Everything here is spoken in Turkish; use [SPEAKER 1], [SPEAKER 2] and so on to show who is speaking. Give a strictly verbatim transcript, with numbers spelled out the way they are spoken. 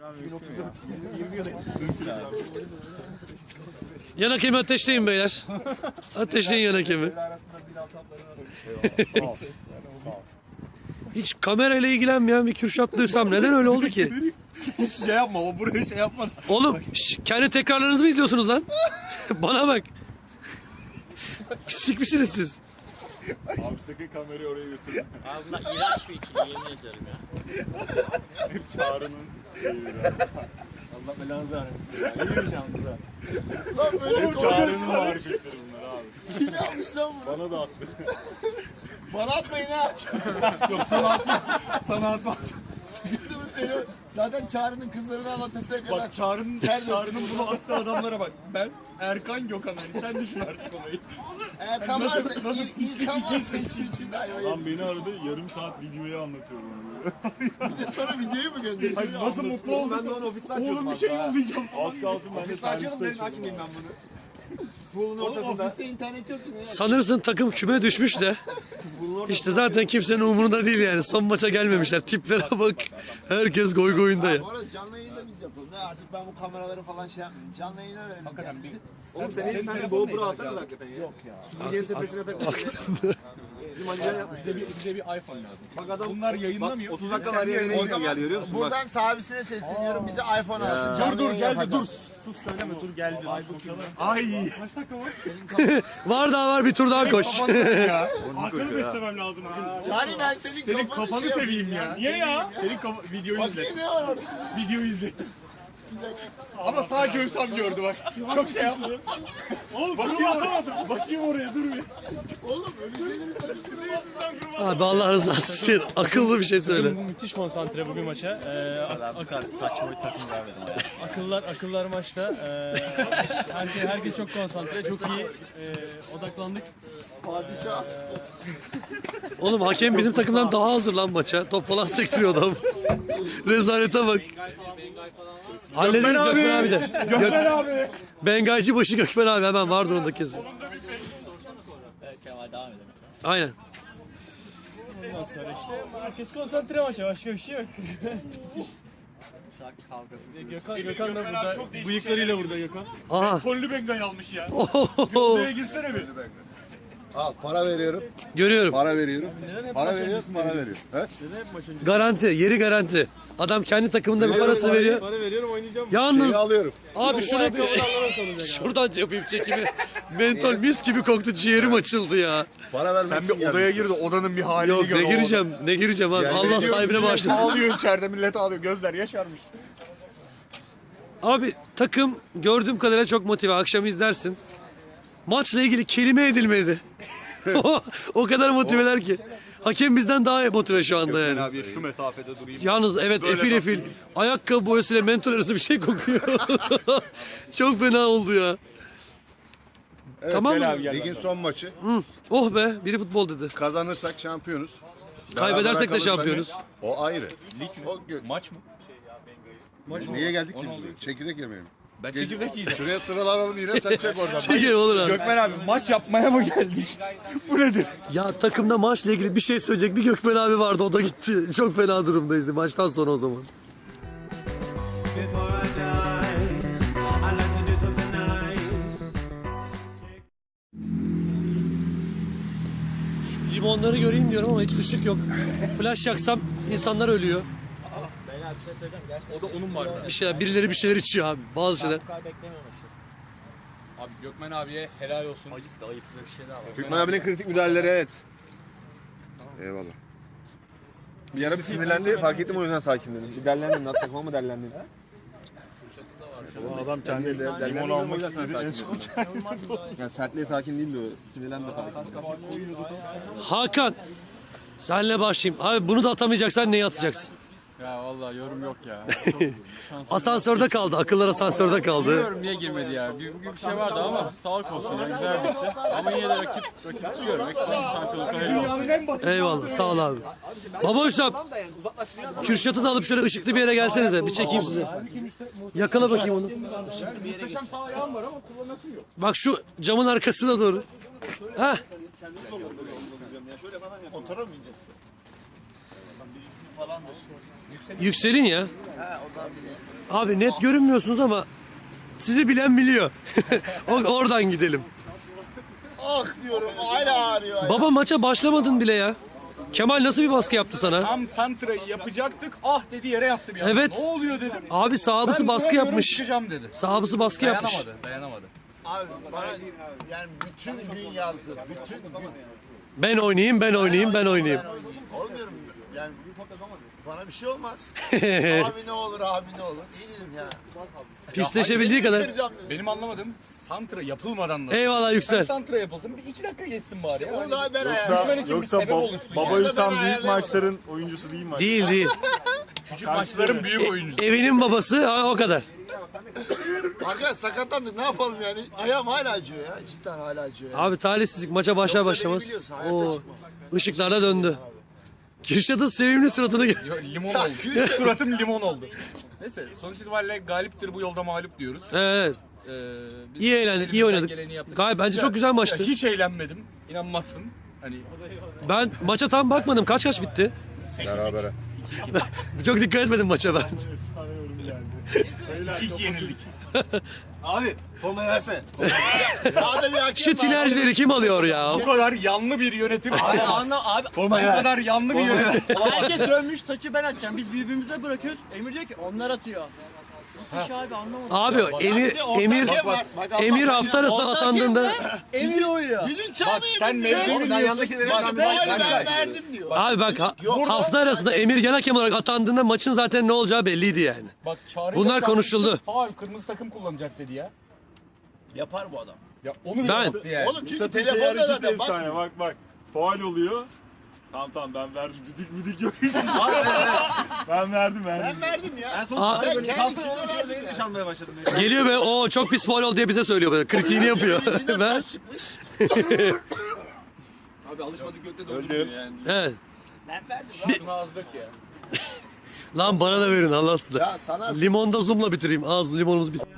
[SPEAKER 1] Yan hakemi ateşleyin beyler. Ateşleyin yan hakemi. Hiç kamerayla ilgilenmeyen bir Kürşat duysam neden öyle oldu ki?
[SPEAKER 2] Hiç şey yapma, o buraya şey yapma.
[SPEAKER 1] Oğlum şş, kendi tekrarlarınızı mı izliyorsunuz lan? Bana bak. Pislik misiniz siz?
[SPEAKER 2] Abi sakın kamerayı oraya götürme.
[SPEAKER 3] Abi bunlar iğrenç bir ikili, yemin ediyorum ya.
[SPEAKER 2] Çağrı'nın şeyi ya. Allah belanı vermesin ya. Ne yiyeceğim bize?
[SPEAKER 4] Lan böyle
[SPEAKER 2] Hep Çağrı'nın marifetleri bunlar abi.
[SPEAKER 4] Kim yapmış lan bunu?
[SPEAKER 2] Bana da attı.
[SPEAKER 4] Bana atmayın ha.
[SPEAKER 2] Yok sana atma. Sana atma.
[SPEAKER 4] Sıkıntımı söylüyorum. Zaten Çağrı'nın kızlarını anlatasıya kadar.
[SPEAKER 2] Bak Çağrı'nın Çağrı'nın bunu attığı adamlara bak. Ben Erkan Gökhan Ali. Sen düşün artık olayı.
[SPEAKER 4] Erkan
[SPEAKER 2] Nasıl-
[SPEAKER 4] varsa,
[SPEAKER 2] nasıl
[SPEAKER 4] İl-
[SPEAKER 2] pislik
[SPEAKER 4] İlkan
[SPEAKER 2] bir şey
[SPEAKER 4] varsa işin içinde ayvayı.
[SPEAKER 2] Lan beni aradı, yarım saat videoyu anlatıyorum ona.
[SPEAKER 4] Bir de sonra videoyu mu gönderiyor?
[SPEAKER 2] Hayır, nasıl mutlu oldun? Ben de onu ofisten Oğlum bir şey yollayacağım. Az kalsın ben de serviste açayım.
[SPEAKER 5] Açmayayım ben bunu.
[SPEAKER 4] Pool'un ortasında. Ofiste internet yok yine ya.
[SPEAKER 1] Sanırsın takım küme düşmüş de. İşte zaten kimsenin umurunda değil yani. Son maça gelmemişler. Tiplere bak. Herkes goy goyunda ya.
[SPEAKER 4] Bu arada canlı yayında biz yapalım. Ne artık ben bu kameraları falan şey yapmayayım. Canlı yayına verelim kendimizi.
[SPEAKER 5] Oğlum sen hiç tane GoPro alsana hakikaten ya.
[SPEAKER 4] Yok ya.
[SPEAKER 5] Sümeyye'nin tepesine takılıyor. Bizim Alican yapmış.
[SPEAKER 2] Bize bir, bize bir iPhone lazım.
[SPEAKER 5] Bak adam
[SPEAKER 2] Bunlar yayınlamıyor.
[SPEAKER 5] otuz dakika var ya yayına izin gel görüyor musun? Bak.
[SPEAKER 4] Buradan sahibisine sesleniyorum. Bize iPhone alsın.
[SPEAKER 2] Dur
[SPEAKER 4] Canlı
[SPEAKER 2] dur
[SPEAKER 4] yayın
[SPEAKER 2] geldi
[SPEAKER 4] yapacağız.
[SPEAKER 2] dur. Sus söyleme dur geldi. Ay. Kaç dakika var?
[SPEAKER 1] Var daha var, bir tur daha koş.
[SPEAKER 2] ya.
[SPEAKER 5] Akıllı
[SPEAKER 2] beslemem lazım bugün.
[SPEAKER 4] Çağrı ben senin,
[SPEAKER 2] Senin
[SPEAKER 4] kafanı,
[SPEAKER 2] kafanı
[SPEAKER 4] şey
[SPEAKER 2] seveyim
[SPEAKER 4] yapayım
[SPEAKER 2] ya.
[SPEAKER 4] Niye ya?
[SPEAKER 2] Senin kafa videoyu izle.
[SPEAKER 4] Bakayım ne var orada?
[SPEAKER 2] Videoyu izle. Ama sadece Hüsam gördü bak. Çok şey yapma. Oğlum bakayım oraya. Bakayım oraya dur bir.
[SPEAKER 4] Oğlum öyle şeyleri
[SPEAKER 1] Abi Allah rızası için akıllı bir şey söyle.
[SPEAKER 6] Bu müthiş konsantre bugün maça. Ee, ak-
[SPEAKER 3] Bu kadar saçma bir takım görmedim ya.
[SPEAKER 6] akıllar akıllar maçta. Ee, herkes, herkes çok konsantre, çok iyi ee, odaklandık.
[SPEAKER 4] padişah.
[SPEAKER 1] Oğlum hakem bizim takımdan daha hazır lan maça. Top falan sektiriyor adam. Rezalete bak. Hallederiz Gökmen abi de. Gökmen abi. Bengaycı başı Gökmen abi hemen vardır onda kesin.
[SPEAKER 3] Evet Kemal devam edelim.
[SPEAKER 1] Aynen.
[SPEAKER 6] Ondan sonra işte herkes konsantre maça, başka bir şey yok.
[SPEAKER 3] Şarkı kavgası.
[SPEAKER 6] Gökhan, Gökhan da burada, bıyıklarıyla burada Gökhan.
[SPEAKER 1] Aha.
[SPEAKER 2] Kollü Bengay almış ya.
[SPEAKER 1] Ohoho.
[SPEAKER 2] Odaya girsene bir.
[SPEAKER 4] Al para veriyorum.
[SPEAKER 1] Görüyorum.
[SPEAKER 4] Para veriyorum.
[SPEAKER 6] Neden hep
[SPEAKER 4] Para
[SPEAKER 6] maç
[SPEAKER 4] veriyorum,
[SPEAKER 6] öncesinde
[SPEAKER 4] para
[SPEAKER 6] veriyorsun?
[SPEAKER 4] veriyorum. He?
[SPEAKER 6] Neden hep maç öncesinde?
[SPEAKER 1] Garanti, yeri garanti. Adam kendi takımında bir
[SPEAKER 4] Veriyorum
[SPEAKER 1] parası
[SPEAKER 4] parayı.
[SPEAKER 1] veriyor.
[SPEAKER 6] Para veriyorum, oynayacağım.
[SPEAKER 1] Yalnız
[SPEAKER 4] Şeyi alıyorum.
[SPEAKER 1] abi şunu bir şuradan yapayım çekimi. Mentol mis gibi koktu, ciğerim açıldı ya.
[SPEAKER 4] Para vermek
[SPEAKER 2] Sen
[SPEAKER 4] için
[SPEAKER 2] bir odaya
[SPEAKER 4] gelmişsin.
[SPEAKER 2] gir de odanın bir halini
[SPEAKER 1] Yok
[SPEAKER 2] gör.
[SPEAKER 1] ne gireceğim, ne gireceğim abi.
[SPEAKER 4] Yani
[SPEAKER 1] Allah
[SPEAKER 4] ne
[SPEAKER 1] sahibine bağışlasın.
[SPEAKER 2] Ağlıyor içeride millet ağlıyor. Gözler yaşarmış.
[SPEAKER 1] Abi takım gördüğüm kadarıyla çok motive. Akşam izlersin. Maçla ilgili kelime edilmedi. o, o kadar motiveler ki. Hakem bizden daha motive şu anda yani.
[SPEAKER 2] abi şu mesafede durayım.
[SPEAKER 1] Yalnız evet
[SPEAKER 2] Böyle
[SPEAKER 1] efil efil. Ayakkabı boyasıyla mentol arası bir şey kokuyor. Çok fena oldu ya. Tamam mı?
[SPEAKER 4] Ligin son maçı.
[SPEAKER 1] Oh be, biri futbol dedi.
[SPEAKER 4] Kazanırsak şampiyonuz.
[SPEAKER 1] Kaybedersek de
[SPEAKER 4] Beraber kalırsak
[SPEAKER 1] şampiyonuz.
[SPEAKER 4] O ayrı. O gö-
[SPEAKER 2] Maç mı?
[SPEAKER 4] Niye geldik ki biz? Çekirdek yemeğe mi?
[SPEAKER 2] Ben çekirdek yiyeceğim.
[SPEAKER 4] Şuraya sıralanalım yine sen çek oradan.
[SPEAKER 1] Çekin olur abi.
[SPEAKER 2] Gökmen abi maç yapmaya mı geldik? Bu nedir?
[SPEAKER 1] Ya takımda maçla ilgili bir şey söyleyecek bir Gökmen abi vardı, o da gitti. Çok fena durumdayız maçtan sonra o zaman.
[SPEAKER 7] Before I die, I'd like to do something nice.
[SPEAKER 1] Şu limonları göreyim diyorum ama hiç ışık yok. Flash yaksam insanlar ölüyor.
[SPEAKER 3] Beyler bir şey söyleyeceğim. Gerçekten
[SPEAKER 2] O da onun bardağı.
[SPEAKER 1] Bir şeyler, birileri bir şeyler içiyor abi. Bazı şeyler.
[SPEAKER 3] bu kadar beklemiyorum açıkçası.
[SPEAKER 2] Abi Gökmen abiye helal olsun.
[SPEAKER 3] Ayıp da ayıp bir şey daha var.
[SPEAKER 5] Gökmen abinin kritik müdahaleleri evet.
[SPEAKER 4] Eyvallah.
[SPEAKER 5] Bir ara bir sinirlendi fark ettim o yüzden sakinledim. Bir derlendin lan takıma mı derlendin?
[SPEAKER 2] Adam kendi
[SPEAKER 5] Limon almak istedi en son. Yani sertliğe sakin değildi o. Sinirlendi fark ettim.
[SPEAKER 1] Hakan. Senle başlayayım. Abi bunu da atamayacaksan neyi atacaksın?
[SPEAKER 2] Ya vallahi yorum yok ya.
[SPEAKER 1] Asansörde kaldı. Akıllar asansörde kaldı.
[SPEAKER 2] Bilmiyorum niye girmedi ya. Bir, bugün bir şey vardı ama sağlık olsun ya. Güzel bitti. Ama yine de rakip, rakip biliyorum. Ekstra şampiyonluklar hayırlı olsun.
[SPEAKER 1] Eyvallah. Sağ ol abi. Baba Hüsam. Kürşat'ı da alıp şöyle ışıklı bir yere gelsenize. Bir çekeyim sizi. Yakala bakayım onu.
[SPEAKER 2] Muhteşem sağ ayağım var ama kullanasım yok.
[SPEAKER 1] Bak şu camın arkasına doğru. Heh.
[SPEAKER 4] birisi falandır.
[SPEAKER 1] Yükselin ya.
[SPEAKER 4] He o zaman biliyorum.
[SPEAKER 1] Abi net görünmüyorsunuz ama sizi bilen biliyor. O- Oradan gidelim.
[SPEAKER 4] Ah diyorum hala ağrıyor. ya.
[SPEAKER 1] Baba maça başlamadın bile ya. Kemal nasıl bir baskı yaptı sana?
[SPEAKER 2] Tam santrayı yapacaktık. Ah dedi yere yattı bir anda.
[SPEAKER 1] Evet.
[SPEAKER 2] Ne oluyor dedim.
[SPEAKER 1] Abi sahabısı
[SPEAKER 2] Ben
[SPEAKER 1] baskı
[SPEAKER 2] duramıyorum,
[SPEAKER 1] yapmış.
[SPEAKER 2] Çıkacağım dedi.
[SPEAKER 1] Sahabısı baskı yapmış.
[SPEAKER 2] Dayanamadı. Dayanamadı.
[SPEAKER 4] Abi bana yani bütün gün yazdı. Bütün gün.
[SPEAKER 1] Ben oynayayım, ben oynayayım, ben oynayayım.
[SPEAKER 4] Ben oynayayım. Olmuyorum yani. Bana bir şey olmaz. Abi ne olur abi ne olur. İyi dedim ya.
[SPEAKER 1] Pisleşebildiği kadar.
[SPEAKER 4] Kıracağım dedim.
[SPEAKER 2] Benim anlamadığım santra yapılmadan da.
[SPEAKER 1] Eyvallah
[SPEAKER 2] Sen
[SPEAKER 1] Yüksel.
[SPEAKER 2] santra yapılsın. Bir iki dakika geçsin bari ya.
[SPEAKER 4] Onu da ben
[SPEAKER 2] Düşman
[SPEAKER 4] ayarladım.
[SPEAKER 2] için bir
[SPEAKER 5] Yoksa
[SPEAKER 2] sebep
[SPEAKER 5] bab-
[SPEAKER 2] oluşsun.
[SPEAKER 5] Baba
[SPEAKER 2] yani.
[SPEAKER 5] Hüsam
[SPEAKER 4] Ben
[SPEAKER 5] büyük
[SPEAKER 4] ayarlayamadım.
[SPEAKER 5] maçların oyuncusu değil mi?
[SPEAKER 1] Değil değil.
[SPEAKER 2] Küçük maçların büyük oyuncusu.
[SPEAKER 1] Evinin babası ha, o kadar.
[SPEAKER 4] Arkadaş sakatlandık ne yapalım yani. Ayağım hala acıyor ya. Cidden hala acıyor ya.
[SPEAKER 1] Abi talihsizlik maça başlar
[SPEAKER 4] Yoksa
[SPEAKER 1] başlamaz.
[SPEAKER 4] beni biliyorsun, hayatta
[SPEAKER 1] O
[SPEAKER 4] çıkmam.
[SPEAKER 1] ışıklarda döndü. Kürşat'ın sevimli suratını gör.
[SPEAKER 2] Yo, limon oldu. Suratım limon oldu. Neyse sonuç itibariyle galiptir bu yolda mağlup diyoruz.
[SPEAKER 1] Evet.
[SPEAKER 2] Ee, biz
[SPEAKER 1] İyi eğlendik, iyi
[SPEAKER 2] elimizden
[SPEAKER 1] oynadık.
[SPEAKER 2] geleni yaptık.
[SPEAKER 1] Gayet bence çok güzel maçtı.
[SPEAKER 2] Ya hiç eğlenmedim. İnanmazsın. Hani
[SPEAKER 1] Ben maça tam bakmadım. Kaç kaç bitti?
[SPEAKER 5] Berabere.
[SPEAKER 1] Çok dikkat etmedim maça ben.
[SPEAKER 2] iki iki yenildik.
[SPEAKER 5] Abi formayı versene.
[SPEAKER 4] Sağda bir hakem
[SPEAKER 1] Şu
[SPEAKER 4] var.
[SPEAKER 1] tinercileri kim alıyor ya?
[SPEAKER 2] Bu kadar yanlı bir yönetim.
[SPEAKER 3] Abi anla abi.
[SPEAKER 2] Bu kadar yanlı bir yönetim.
[SPEAKER 3] Herkes dönmüş taçı ben atacağım. Biz birbirimize bırakıyoruz. Emir diyor ki onlar atıyor. Nasıl iş abi anlamadım.
[SPEAKER 1] Abi Emir
[SPEAKER 4] Bir de orta
[SPEAKER 1] Emir
[SPEAKER 4] hakem var. Bak Allah
[SPEAKER 1] Emir
[SPEAKER 4] seni-
[SPEAKER 1] hafta arasında
[SPEAKER 3] Orta
[SPEAKER 1] atandığında
[SPEAKER 3] Emir oyuyor.
[SPEAKER 4] Dilin
[SPEAKER 2] Bak
[SPEAKER 4] çalmayayım.
[SPEAKER 2] sen
[SPEAKER 4] mı ya?
[SPEAKER 2] mevzuyu
[SPEAKER 5] Sen
[SPEAKER 2] biliyorsun.
[SPEAKER 5] yandakilerinden
[SPEAKER 2] Bak,
[SPEAKER 5] bir
[SPEAKER 4] Ben,
[SPEAKER 2] sen
[SPEAKER 4] ben
[SPEAKER 2] kay.
[SPEAKER 4] verdim diyor.
[SPEAKER 1] abi bak ha-
[SPEAKER 4] Yok.
[SPEAKER 1] hafta arasında Emir yan hakem olarak atandığında maçın zaten ne olacağı belliydi yani.
[SPEAKER 2] Bak Çağrı
[SPEAKER 1] Bunlar
[SPEAKER 2] Yaşar
[SPEAKER 1] konuşuldu.
[SPEAKER 2] Faul kırmızı takım kullanacak dedi ya.
[SPEAKER 3] Yapar bu adam.
[SPEAKER 2] Ya onu bile
[SPEAKER 1] Ben-
[SPEAKER 2] yaptı yani.
[SPEAKER 4] Oğlum çünkü
[SPEAKER 5] Miktat'ın şey
[SPEAKER 4] telefonda
[SPEAKER 5] hareketi
[SPEAKER 4] zaten bak.
[SPEAKER 5] efsane. Bak bak. Faul oluyor. Tamam tamam ben verdim. Düdük müdük yok. Ben verdim
[SPEAKER 4] Ben
[SPEAKER 5] verdim.
[SPEAKER 4] verdim ya.
[SPEAKER 3] En son
[SPEAKER 1] Aa.
[SPEAKER 3] çıktı
[SPEAKER 4] Ben
[SPEAKER 3] böyle
[SPEAKER 4] kendi
[SPEAKER 3] kalktı
[SPEAKER 4] içimde
[SPEAKER 3] olmuş
[SPEAKER 4] verdim
[SPEAKER 3] öyle
[SPEAKER 4] ya.
[SPEAKER 3] nişanlamaya başladım.
[SPEAKER 1] Geliyor be o çok pis faul oldu diye bize söylüyor böyle. Kritiğini yapıyor.
[SPEAKER 4] İçinden
[SPEAKER 1] ben
[SPEAKER 4] taş çıkmış.
[SPEAKER 5] Abi alışmadık gökte dolduruyor yani.
[SPEAKER 1] evet.
[SPEAKER 4] Ben verdim.
[SPEAKER 2] Şuna az dök ya.
[SPEAKER 1] Lan bana da verin Allah'ını.
[SPEAKER 4] Ya sana
[SPEAKER 1] Limonda zoomla bitireyim. Ağzı limonumuz bit.